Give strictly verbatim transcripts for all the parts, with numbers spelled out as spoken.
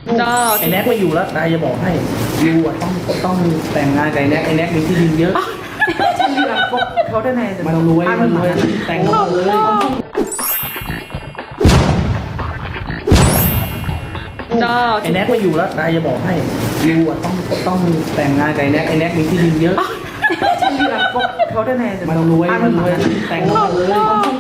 ไอ้แน็กไม่อยู่แล้วนายจะบอกให้ยูอ่ะต้องต้องแต่งงานกับไอ้แน็กไอ้แน็กมีที่ดินเยอะ 찰리랑 꼭 결혼해야 돼. มันรวยมันรวยแต่งงานเลยไอ้แน็กไม่อยู่แล้วนายจะบอกให้ยูอ่ะต้องต้องแต่งงานกับไอ้แน็กไอ้แน็กมีที่ดินเยอะ 찰리랑 꼭 결혼해야 돼. มันรวยมันรวยแต่งงานเลย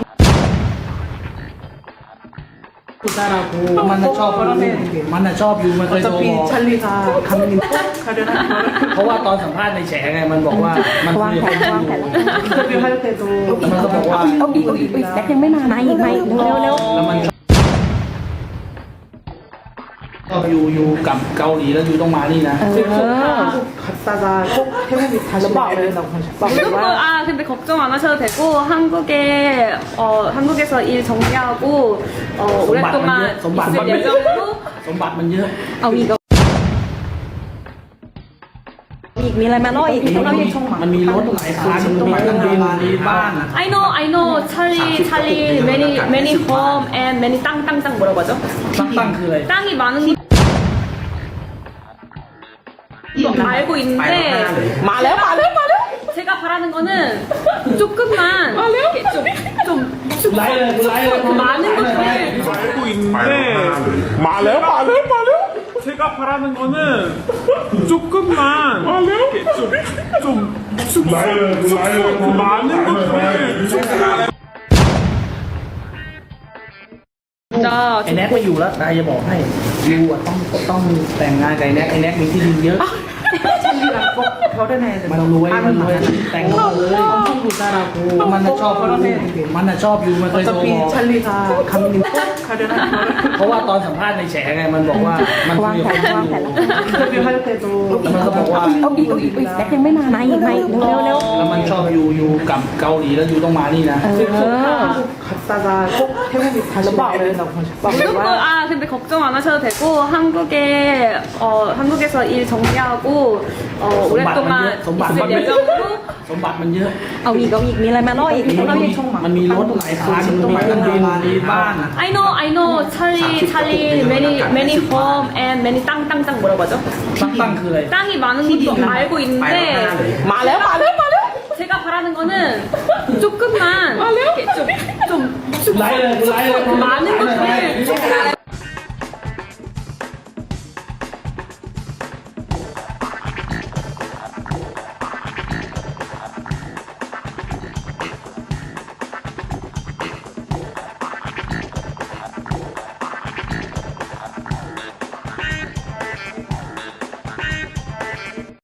กูซารากูมันน่ะชอบยูมันน่ะชอบยูมันเคยโทร 어차피 บอก 찰리가 감독님 꼭 결혼할 거라. เพราะว่าตอนสัมภาษณ์ในแฉไงมันบอกว่ามันคุยกับยู 인터뷰 할 때도 มันก็บอกว่าเอาอีกเอาอีกแซกยังไม่มามาอีกมาอีกเร็วเร็วแล้วมันชอบยูยูกับเกาหลีแล้วยูต้องมานี่นะ 지금 꼭 한국 갔다가 꼭 태국에 다시 와야 된다고 그리고 하셨어요. 아 근데 걱정 안 하셔도 되고 한국에 어 한국에서 일 정리하고 어 오랫동안 손발, 있을 손발. 예정으로 สมบัติมันเยอะเอาอีกอีกมีอะไรมาเล่าอีกมันมีมันมีรถหลายคันมีเครื่องบินมีบ้าน I know I know 찰리 찰리 many many home and many 땅땅땅 뭐라고 하죠? ตั้งตั้งคืออะไร 땅이 많은 거 알고 있는데 มาแล้วมาแล้วมาแล้ว 제가 바라는 거는 조금만 이렇게 좀좀 ไล่เลยไล่เลย 많은 것들 알고 있는데 말해요 말해요 말해요 제가 바라는 거는 조금만 이렇게 좀좀 많은 것들 ไอ้แน็กไม่อยู่แล้วนายจะบอกให้ยูอ่ะต้องต้องแต่งงานกับไอ้แน็กไอ้แน็กมีที่ดินเยอะ 찰리랑 꼭 결혼해야 돼. มันรวยมันรวยแต่งงานเลยมันน่ะชอบยูมันน่ะชอบยูมันเคยโทร 어차피 บอก 찰리가 감독님 꼭 결혼할 거라. เพราะว่าตอนสัมภาษณ์ในแฉไงมันบอกว่ามันคุวางยแผกับนวางแผน 인터뷰 할 때도 มันก็บอกว่าเอาอีกเอาอีกแซกยังไม่มามาอีกมาอีกเร็วเร็วแล้วมันชอบยูยูกับเกาหลีแล้วยูต้องมานี่นะ 지금 꼭 한국 갔다가 꼭 태국에 다시 와야 된다고 그리고 하셨어요. 아 근데 걱정 안 하셔도 되고 한국에 어 한국에서 일 정리하고 어 오랫동안 손발, 있을 손발. 예정으로 สมบัติมันเยอะเอาอีกเอาอีกมีอะไรมาเล่าอีกมันมีมันมีรถหลายคันมีเครื่องบินมีบ้าน I know I know 찰리 찰리 many many home and many 땅땅땅 뭐라고 하죠? ตั้งตั้งคืออะไร 땅이 많은 것도 알고 있는데 มาแล้วมาแล้วมาแล้ว 제가 바라는 거는 조금만 이렇게 좀좀 ไล่เลยไล่เลย 많은 것들